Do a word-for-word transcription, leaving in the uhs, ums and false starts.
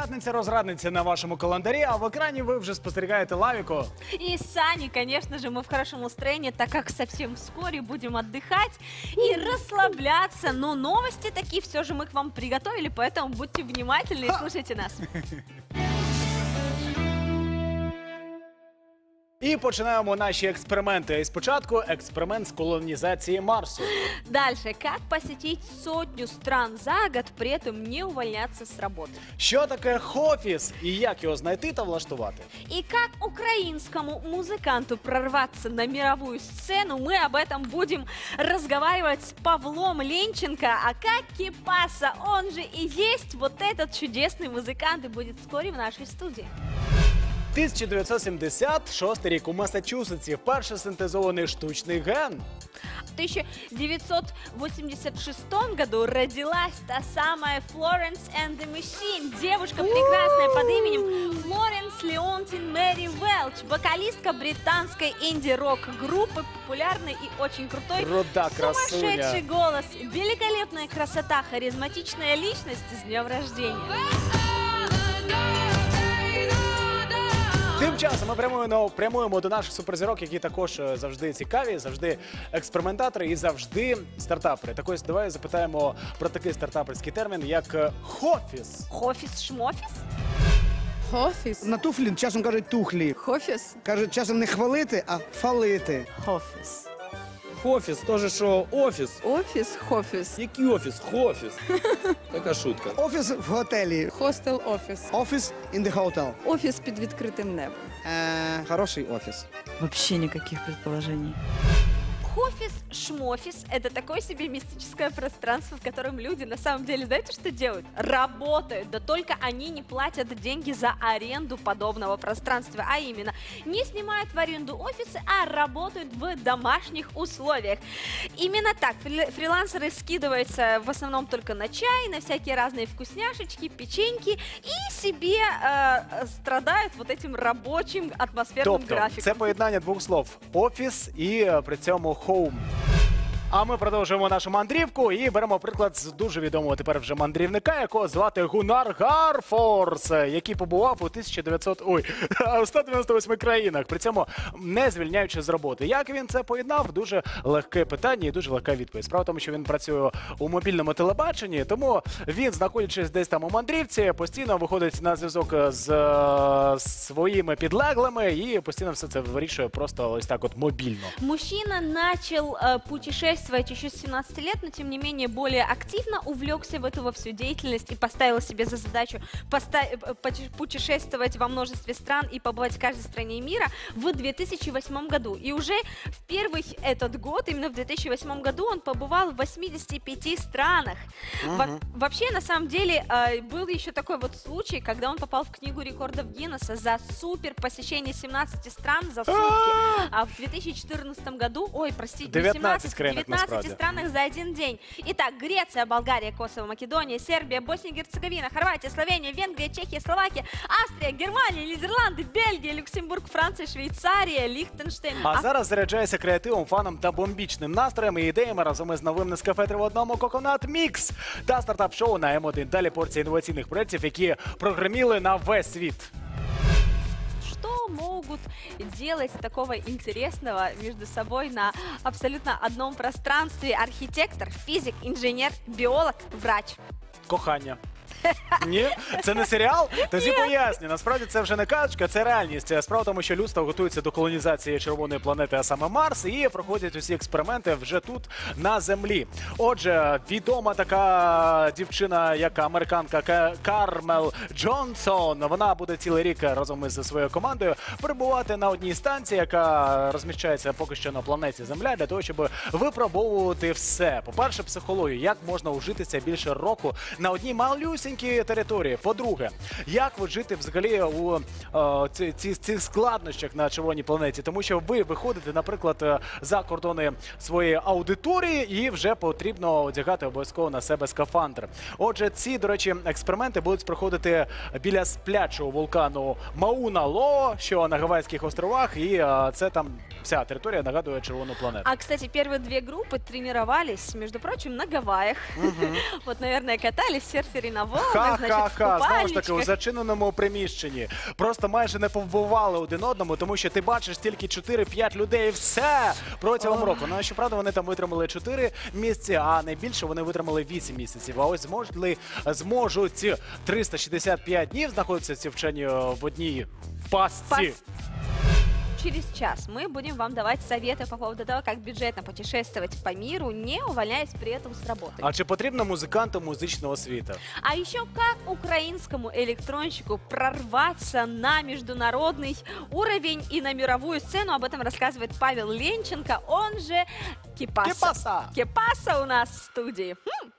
П'ятниця-розрадниця на вашому календарі, а в екрані ви вже спостерігаєте Лавіку. И Сани, конечно же, мы в хорошем настроении, так как совсем вскоре будем отдыхать и расслабляться. Но новости такие все же мы к вам приготовили, поэтому будьте внимательны и слушайте нас. І починаємо наші експерименти. І спочатку експеримент з колонізації Марсу. Дальше. Как посетить сотню стран за год, при этом не увольняться с работы? Що таке хофіс і як його знайти та влаштувати? И как украинскому музыканту прорваться на мировую сцену, мы об этом будем разговаривать с Павлом Ленченко. А как Кипаса, он же и есть вот этот чудесный музыкант, и будет вскоре в нашей студии. тисяча дев'ятсот сімдесят шостий рік у Массачусетсі вперше синтезований штучний ген. В тысяча девятьсот восемьдесят шестом году родилась та самая Florence and the Machine. Девушка прекрасная под именем Флоренс Леонтин Мэри Велч. Вокалистка британской инди-рок группы, популярной и очень крутой. Руда красуня. Сумасшедший голос, великолепная красота, харизматичная личность. С днем рождения! Тим часом ми прямуємо, прямуємо до наших суперзірок, які також завжди цікаві, завжди експериментатори і завжди стартапери. Так ось давай запитаємо про такий стартаперський термін, як хофіс. Хофіс-шмофіс? Хофіс. На туфлі часом кажуть тухлі. Хофіс. Кажуть, часом не хвалити, а фалити. Хофіс. Хофіс, теж що офіс. Офіс, хофіс. Який офіс? Хофіс. Така шутка. Офіс в готелі. Хостел, офіс. Офіс in the hotel. Офіс під відкритим небом. Е, хороший офіс. Вообще никаких предположений. Хофис-шмофис – это такое себе мистическое пространство, в котором люди на самом деле, знаете, что делают? Работают, да только они не платят деньги за аренду подобного пространства, а именно не снимают в аренду офисы, а работают в домашних условиях. Именно так фрилансеры скидываются в основном только на чай, на всякие разные вкусняшечки, печеньки и себе э, страдают вот этим рабочим атмосферным Тобто, графиком. це поєднання двох слов – офіс і е, при цьому хоум. А ми продовжуємо нашу мандрівку і беремо приклад з дуже відомого тепер вже мандрівника, якого звати Гуннар Гарфорс, який побував у тисяча дев'ятсот, ой, сто дев'яносто восьми країнах, при цьому не звільняючи з роботи. Як він це поєднав? Дуже легке питання і дуже легка відповідь. Справа в тому, що він працює у мобільному телебаченні, тому він, знаходячись десь там у мандрівці, постійно виходить на зв'язок з е, своїми підлеглими і постійно все це вирішує просто ось так от мобільно. Мужчина начал э, путешествовать еще с семнадцати лет, но тем не менее более активно увлекся в эту во всю деятельность и поставил себе за задачу путешествовать во множестве стран и побывать в каждой стране мира в две тысячи восьмом году. И уже в первый этот год, именно в две тысячи восьмом году, он побывал в восьмидесяти пяти странах. Uh-huh. Во вообще, на самом деле, э, был еще такой вот случай, когда он попал в книгу рекордов Гиннесса за супер посещение семнадцати стран за сутки. А в две тысячи четырнадцатом году, ой, простите, девятнадцать в девятнадцати странах за один день. Итак, Греция, Болгария, Косово, Македония, Сербия, Босния и Герцеговина, Хорватия, Словения, Венгрия, Чехия, Словакия, Австрия, Германия, Нидерланды, Бельгия, Люксембург, Франция, Швейцарія, Ліхтенштейн. А зараз заряджається креативом, фаном та бомбічним настроєм і ідеями разом із новим Нескафе в одному Coconut Mix та стартап-шоу на М один. Далі порція інноваційних проєктів, які прогреміли на весь світ. Что могут делать такого интересного между собой на абсолютно одном пространстве архитектор, физик, инженер, биолог, врач? Кохання. Ні? Це не серіал? Тоді поясню. Насправді це вже не казочка, це реальність. Справа в тому, що людство готується до колонізації червоної планети, а саме Марс, і проходять усі експерименти вже тут, на Землі. Отже, відома така дівчина, як американка Кармел Джонсон, вона буде цілий рік разом із своєю командою перебувати на одній станції, яка розміщається поки що на планеті Земля, для того, щоб випробовувати все. По-перше, психологію, як можна ужитися більше року на одній малюсінькій території. По-друге, як ви жити взагалі у е, ці, ці, цих складнощах на червоній планеті? Тому що ви виходите, наприклад, за кордони своєї аудиторії і вже потрібно одягати обов'язково на себе скафандр. Отже, ці, до речі, експерименти будуть проходити біля сплячого вулкану Мауна Лоо, що на Гавайських островах, і е, це там Вся територія нагадує червону планету. А, кстати, первые две группы тренировались, между прочим, на Гавайях. Вот, наверное, катались в серфере на волнах, значит, в Ха-ха-ха, знову ж таки, у купальничках. зачиненому приміщенні. Просто майже не повбивали один одному, тому що ти бачиш тільки чотири-п'ять людей і все протягом року. Ну, а щоправда, вони там витримали чотири місяці, а найбільше вони витримали вісім місяців. А ось зможуть ли, зможуть триста шістдесят п'ять днів знаходитися ці вчені в одній пастці? Пас- Через час мы будем вам давать советы по поводу того, как бюджетно путешествовать по миру, не увольняясь при этом с работы. А чи потрібно музиканту музичного світу? А еще как украинскому электронщику прорваться на международный уровень и на мировую сцену. Об этом рассказывает Павел Ленченко, он же Кипаса. Кипаса! Кипаса у нас в студии. Хм.